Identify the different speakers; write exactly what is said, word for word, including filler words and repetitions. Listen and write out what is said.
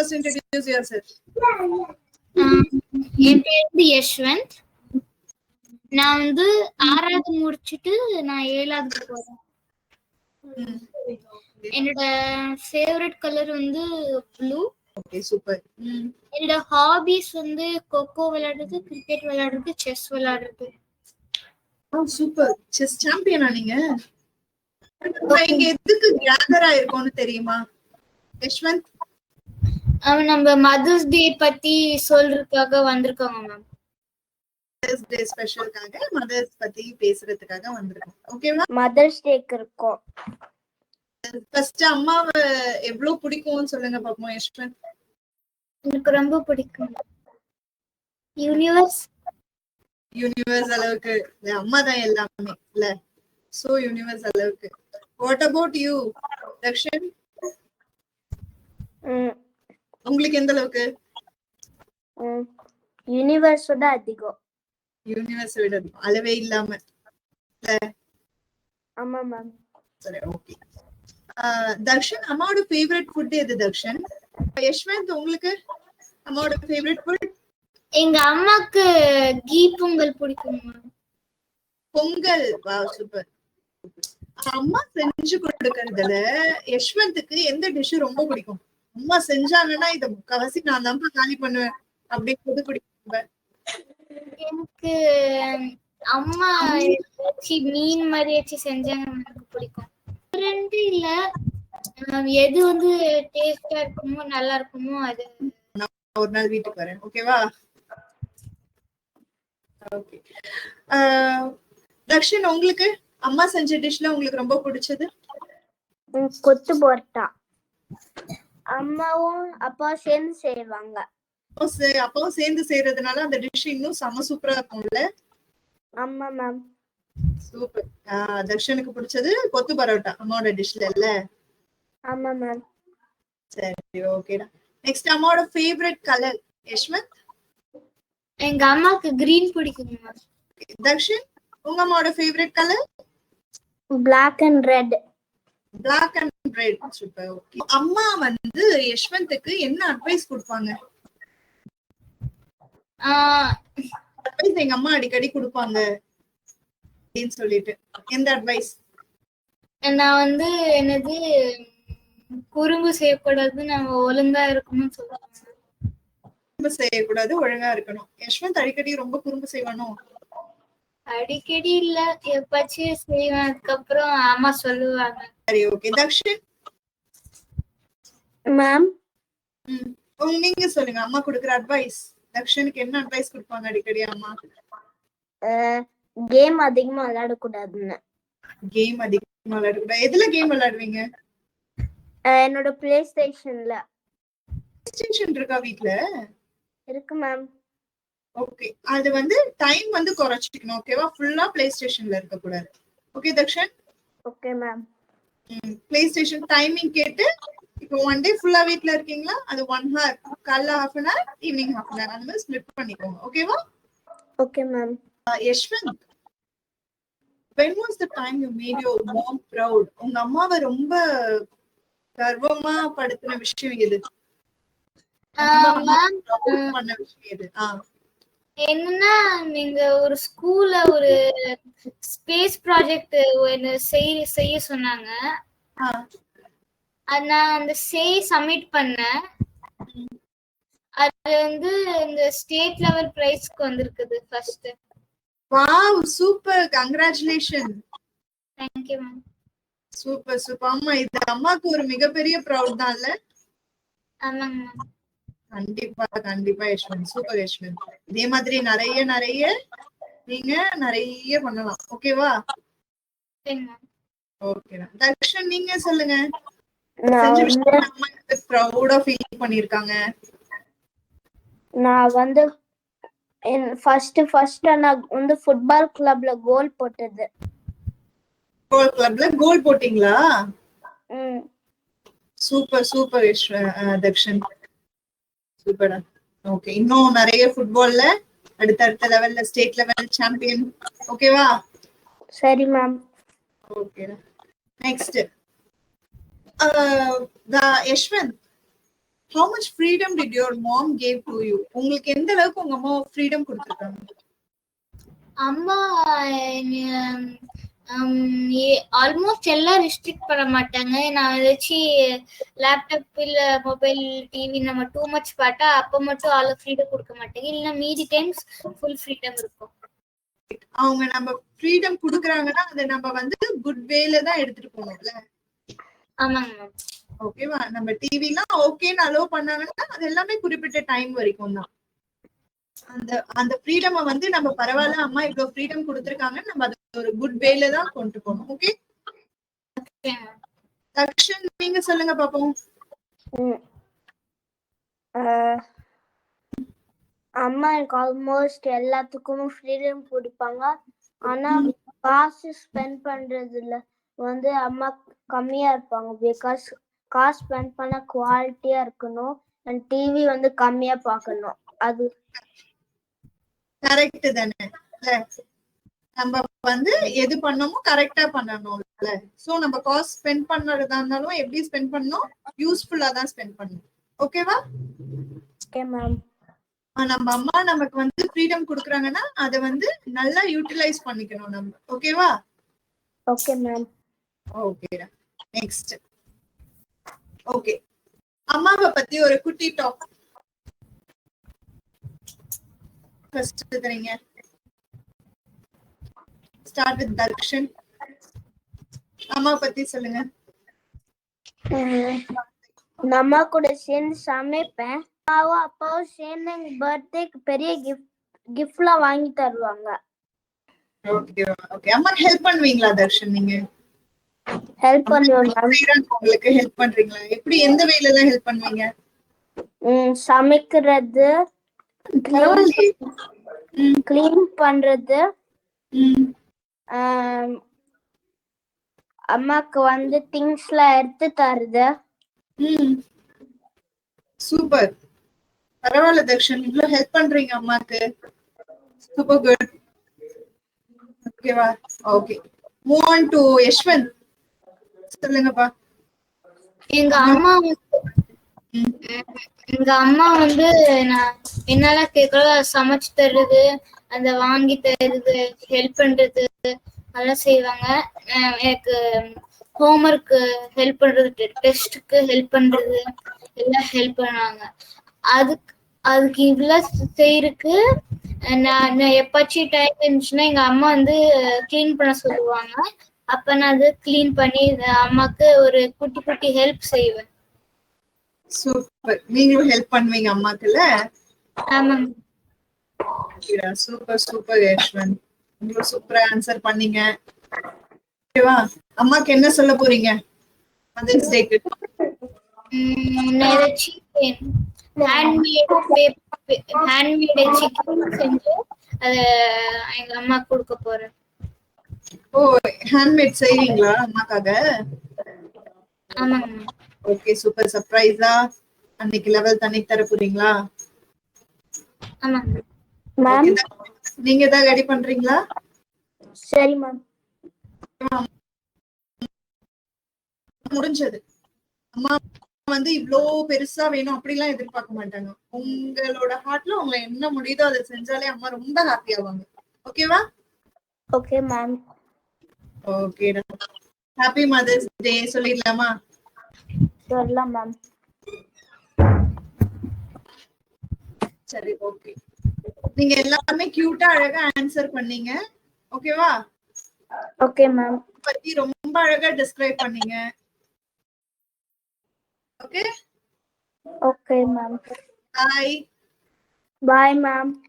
Speaker 1: first introduce yourself?
Speaker 2: என் பேர் வந்து யஷ்வந்த். நான் வந்து ஆறாவது முடிச்சிட்டு நான் ஏழாவது போறேன். என்னோட ஃபேவரட் கலர் வந்து ப்ளூ.
Speaker 1: Okay super.
Speaker 2: என்னோட ஹாபிஸ் வந்து கோகோ விளையாடுறது, கிரிக்கெட் விளையாடுறது, செஸ் விளையாடுறது.
Speaker 1: ஓ சூப்பர். செஸ் சாம்பியனா நீங்க? இங்க எதுக்கு கேதர் ஆயிருக்கோம்னு தெரியுமா யஷ்வந்த்?
Speaker 2: அவன் நம்ம மதர்ஸ் டே பத்தி சொல்றதுக்காக வந்திருக்காங்க மேம்.
Speaker 1: மதர்ஸ் டே ஸ்பெஷலுக்காக மதர்ஸ் பத்தி பேசுறதுக்காக வந்திருக்கோம். ஓகேவா?
Speaker 3: மதர்ஸ் டேக்கு இருக்கோம்.
Speaker 1: ஃபர்ஸ்ட் அம்மாவை எவ்வளவு பிடிக்கும்னு சொல்லுங்க பாப்போம் யஷ்வந்த்.
Speaker 2: எனக்கு ரொம்ப பிடிக்கும். யூனிவர்ஸ்
Speaker 1: யூனிவர்ஸ் அளவுக்கு அம்மா தான் எல்லாமே இல்ல. சோ யூனிவர்ஸ் அளவுக்கு. What about you, Dakshan? உங்களுக்கு எந்த அளவுக்கு?
Speaker 3: யூனிவர்ஸ் விட அதிகம்.
Speaker 1: யூனிவர்ஸ் விட அளவே இல்லாம.
Speaker 3: ஆமா மேம்.
Speaker 1: சரி ஓகே. தக்ஷன் அம்மாவோட ஃபேவரட் ஃபுட் எது தக்ஷன்? யஷ்வந்த் உங்களுக்கு அம்மாவோட ஃபேவரட் ஃபுட்?
Speaker 2: எங்க அம்மாக்கு கீ பொங்கல் பிடிக்கும் மேம்.
Speaker 1: பொங்கல். Wow super. அம்மா செஞ்சு கொடுக்கறதுல யஷ்வந்துக்கு எந்த டிஷ் ரொம்ப பிடிக்கும்? அம்மா செஞ்சாங்கன்னா இத முக்காவாசி நான் தான் காலி பண்ணுவேன் அப்படின்னு பிடிக்கும்.
Speaker 2: எனக்கு அம்மா மீன் மாதிரி வச்சு செஞ்சாங்க எனக்கு பிடிக்கும். ரெண்டு இல்ல எது வந்து டேஸ்டா இருக்குமோ நல்லா இருக்குமோ அது.
Speaker 1: ஒரு நாள் வீட்டுக்கு வரேன் ஓகேவா? ஓகே. தக்ஷன் உங்களுக்கு அம்மா செஞ்ச டிஷ்ல உங்களுக்கு ரொம்ப பிடிச்சது?
Speaker 3: கொத்து பரோட்டா. அம்மாவும் அப்பா சேர்ந்து செய்வாங்க.
Speaker 1: அப்பாவும் சேர்ந்து செய்யறதுனால அந்த டிஷ் இன்னும் செம சூப்பரா இருக்கும்ல?
Speaker 3: ஆமா மேம்.
Speaker 1: சூப்பர். தக்ஷனுக்கு பிடிச்சது கொத்து பரோட்டா அம்மாவோட டிஷ்ல இல்ல?
Speaker 3: ஆமா மேம்.
Speaker 1: சரி ஓகேடா. நெக்ஸ்ட் அம்மாவோட ஃபேவரட் கலர் யஷ்வந்த்?
Speaker 2: எங்க அம்மாக்கு கிரீன் பிடிக்கும் மேம்.
Speaker 1: தக்ஷன் உங்க அம்மாவோட favourite colour?
Speaker 3: Black and red.
Speaker 1: Black and red. Super okay. அம்மா வந்து யஷ்வந்த்க்கு என்ன அட்வைஸ் கொடுப்பாங்க?
Speaker 2: ஆ
Speaker 1: அட்வைஸ் எங்க அம்மா அடிக்கடி கொடுப்பாங்க அப்படின்னு சொல்லிட்டு எந்த அட்வைஸ்?
Speaker 2: நான் வந்து என்னது குறும்பு செய்யக்கூடாது, நம்ம ஒழுங்கா இருக்கணும்னு சொல்லுவாங்க.
Speaker 1: குறும்பு செய்யக்கூடாது, ஒழுங்கா இருக்கணும். யஷ்வந்த் அடிக்கடி ரொம்ப குறும்பு செய்வானோ?
Speaker 2: அடிக்கடி இல்ல, எப்பாச்சும் செய்வேன். அதுக்கப்புறம் அம்மா சொல்லுவாங்க.
Speaker 1: சரி ஓகே. தக்ஷன்
Speaker 3: மேம்
Speaker 1: நீங்க சொல்லுங்க அம்மா கொடுக்குற அட்வைஸ். தக்ஷனுக்கு என்ன அட்வைஸ் கொடுப்பாங்க அடிக்கடி அம்மா?
Speaker 3: கேம் அதிகமா விளையாட கூடாதுன்னு.
Speaker 1: கேம் அதிகமா விளையாட கூடாது. எதுல கேம் விளையாடுவீங்க?
Speaker 3: என்னோட பிளே ஸ்டேஷன்ல.
Speaker 1: பிளே ஸ்டேஷன் இருக்கா வீட்ல?
Speaker 3: இருக்கு மேம்.
Speaker 1: ஓகே. அது வந்து டைம் வந்து குறைச்சிக்கணும் ஓகேவா? ஃபுல்லா பிளே ஸ்டேஷன்ல இருக்க கூடாது. Okay Dakshan?
Speaker 3: Okay ma'am.
Speaker 1: Play station timing கேட்டு இப்போ ஒன் டே ஃபுல்லா வீட்ல இருக்கீங்களா? அது ஒன் ஹவர், காலைல half an hour, evening half an hour அந்த மாதிரி ஸ்ப்ளிட் பண்ணிக்கோங்க ஓகேவா?
Speaker 3: Okay ma'am.
Speaker 1: Yashwanth, when was the time you made your mom proud? உங்க அம்மாவை ரொம்ப கர்வமா படுத்தின விஷயம் எது? பண்ண விஷயம் எது?
Speaker 2: என்னன்னா நீங்க ஒரு ஸ்கூல்ல ஒரு ஸ்பேஸ் ப்ராஜெக்ட் செய்ய செய்ய சொன்னாங்க. நான் அந்த செய் சப்மிட் பண்ணேன். அது வந்து இந்த ஸ்டேட் லெவல் பிரைஸ்க்கு வந்திருக்குது first.
Speaker 1: Wow super, congratulation.
Speaker 2: Thank you ma'am.
Speaker 1: Super super. அம்மா இது அம்மாக்கு ஒரு மிகப்பெரிய ப்ரௌட் தான்ல?
Speaker 2: ஆமாங்க மேம்.
Speaker 1: கண்டிப்பா கண்டிப்பா யஷ்வந்த். சூப்பர் யஷ்வந்த். இதே மாதிரி நிறைய நிறைய நீங்க நிறைய பண்ணலாம் ஓகேவா? ஓகே. தக்ஷன் நீங்க சொல்லுங்க. ப்ரௌடா ஃபீல் பண்ணிருக்காங்க.
Speaker 3: நான் வந்து ஃபர்ஸ்ட் ஃபர்ஸ்ட் நான் வந்து ஃபுட்பால் கிளப்ல கோல் போட்டது.
Speaker 1: கோல் கிளப்ல கோல் போட்டீங்களா?
Speaker 3: ம்.
Speaker 1: Super super Dakshan. சூப்பரா. ஓகே. இன்னும் நிறைய ஃபுட்பால்ல அடுத்த அடுத்த லெவல்ல ஸ்டேட் லெவல் சாம்பியன் ஓகேவா?
Speaker 3: சரி ma'am.
Speaker 1: Okay. Next Yashwanth, how much freedom did your mom gave to you? உங்களுக்கு எந்த அளவுக்கு உங்க அம்மா ஃப்ரீடம் கொடுத்திருக்காங்க?
Speaker 2: அம்மா ஆல்மோஸ்ட் எல்லாம் ரெஸ்ட்ரிக்ட் பண்ண மாட்டாங்க. நான் ஏதாச்சும் லேப்டாப் இல்ல மொபைல் டிவி நம்ம டூ மச் பார்த்தா அப்ப மட்டும் ஆளு ஃப்ரீடம் கொடுக்க மாட்டாங்க. இல்ல மீதி டைம்ஸ் ஃபுல் ஃப்ரீடம் இருக்கும்.
Speaker 1: அவங்க நம்ம ஃப்ரீடம் குடுக்குறாங்கன்னா அதை நம்ம வந்து குட் வேல தான் எடுத்துட்டு போகணும்ல.
Speaker 2: ஆமாங்க மேம்.
Speaker 1: ஓகேவா? நம்ம டிவிலாம் ஓகேன்னு அலோவ் பண்ணாங்கன்னா அது எல்லாமே குறிப்பிட்ட டைம் வரைக்கும் தான். அந்த அந்த ஃப்ரீடம் வந்து நம்ம பரவாயில்ல அம்மா இவ்வளவு ஃப்ரீடம் கொடுத்திருக்காங்க, நம்ம அது ஒரு குட் வேல தான் கொண்டு போகணும். ஓகே தக்ஷன், நீங்க சொல்லுங்க பாப்போம்.
Speaker 3: அம்மா எனக்கு ஆல்மோஸ்ட் எல்லாத்துக்கும் ஃப்ரீடம் கொடுப்பாங்க. ஆனா காசு ஸ்பெண்ட் பண்றதுல வந்து அம்மா கம்மியா இருப்பாங்க. பிகாஸ் காசு ஸ்பெண்ட் பண்ண குவாலிட்டியா இருக்கணும் அண்ட் டிவி வந்து கம்மியா பார்க்கணும். அது
Speaker 1: கரெக்ட் தானே? நம்ம வந்து எது பண்ணணுமோ கரெக்டா பண்ணணும்ல. சோ நம்ம காசு ஸ்பெண்ட் பண்றதா இருந்தாலும் எப்படி ஸ்பெண்ட் பண்ணணும், யூஸ்ஃபுல்லா தான் ஸ்பெண்ட் பண்ணணும். ஓகேவா?
Speaker 3: Okay ma'am.
Speaker 1: நம்ம அம்மா நமக்கு வந்து ஃப்ரீடம் கொடுக்குறாங்கன்னா அதை வந்து நல்லா யூட்டிலைஸ் பண்ணிக்கணும் நம்ம. ஓகேவா?
Speaker 3: Okay ma'am.
Speaker 1: ஓகேடா. நெக்ஸ்ட். ஓகே, அம்மாவை பத்தி ஒரு குட்டி டாக் ஃபர்ஸ்ட் தரீங்க. Start with Darshan. அம்மா பத்தி சொல்லுங்க.
Speaker 3: அம்மா கூட சேர்ந்து சமைப்பேன். அப்பாவும் அப்பாவும் சேர்ந்து எங்க பர்த்டேக்கு பெரிய கிஃப்ட் கிஃப்ட்லாம் வாங்கி தருவாங்க.
Speaker 1: Okay okay. அம்மா ஹெல்ப் பண்ணுவீங்களா தர்ஷன்? நீங்க
Speaker 3: ஹெல்ப் பண்ணுவேன்.
Speaker 1: உங்களுக்கு ஹெல்ப் பண்றீங்களா? எப்படி, எந்த வேலையில எல்லாம் ஹெல்ப் பண்ணுவீங்க?
Speaker 3: சமைக்கிறது, கிளீன் பண்றது, அம்மாக்கு வந்து திங்ஸ் எல்லாம் எடுத்து தருது.
Speaker 1: சூப்பர், பரவாயில்ல தர்ஷன், இவ்வளவு ஹெல்ப் பண்றீங்க அம்மாக்கு. Super good. ஓகேவா? Okay, move on to Yashwanth. சொல்லுங்கப்பா.
Speaker 2: எங்க அம்மா எங்க அம்மா வந்து நான் என்னால கேட்கல சமைச்சு தருது, அந்த வாங்கி தருது, ஹெல்ப் பண்றது அதெல்லாம் செய்வாங்க. எனக்கு ஹோம்ஒர்க்கு ஹெல்ப் பண்றது, டெஸ்ட்டுக்கு ஹெல்ப் பண்றது எல்லாம் ஹெல்ப் பண்ணுவாங்க. அதுக்கு அதுக்கு இவ்வளவு செய்யறதுக்கு நான் எப்பாச்சும் டைம் இருந்துச்சுன்னா எங்க அம்மா வந்து கிளீன் பண்ண சொல்லுவாங்க. அப்ப நான் அது கிளீன் பண்ணி அம்மாக்கு ஒரு குட்டி குட்டி ஹெல்ப் செய்வேன்.
Speaker 1: சூப்பர், நீங்களும் ஹெல்ப் பண்ணுவீங்க அம்மாக்குல?
Speaker 2: ஆமாங்க.
Speaker 1: சூப்பர் சூப்பர் யஷ்வந்த், நீங்களும் சூப்பரா ஆன்சர் பண்ணீங்க. ஓகேவா? அம்மாக்கு என்ன சொல்ல போறீங்க மதர்ஸ் டேக்கு?
Speaker 2: ஹேண்ட்மேட் ஹேண்ட்மேட் சிக்கன் செஞ்சு அத எங்க அம்மா கொடுக்க போறேன்.
Speaker 1: ஓ, ஹேண்ட்மேட் செய்வீங்களா அம்மாக்காக?
Speaker 2: ஆமாங்க.
Speaker 1: Okay, super. சர்ப்ரைஸா அன்னைக்கு லெவல் தண்ணி தர போறீங்களா?
Speaker 2: ஆமாங்க
Speaker 3: மேம்.
Speaker 1: நீங்க தான் ரெடி பண்றீங்களா?
Speaker 3: சரி மேம்.
Speaker 1: முடிஞ்சது. அம்மா வந்து இவ்ளோ பெருசா வேணும் அப்படிலாம் எதிர்பார்க்க மாட்டாங்க. உங்களோட ஹார்ட்ல உங்களை என்ன முடியுதோ அதை செஞ்சாலே அம்மா ரொம்ப ஹாப்பி ஆவாங்க. ஓகேவா?
Speaker 3: Okay ma'am.
Speaker 1: ஓகேடா. ஹாப்பி மதர்ஸ் டே சொல்லிடலாமா?
Speaker 3: சொல்லலாம் மேம்.
Speaker 1: சரி, ஓகே. நீங்க எல்லாமே கியூட்டா அழகா ஆன்சர் பண்ணீங்க. ஓகேவா?
Speaker 3: Okay ma'am.
Speaker 1: பத்தி ரொம்ப அழகா டிஸ்கிரைப் பண்ணீங்க. Okay
Speaker 3: okay ma'am.
Speaker 1: Bye.
Speaker 3: Bye ma'am.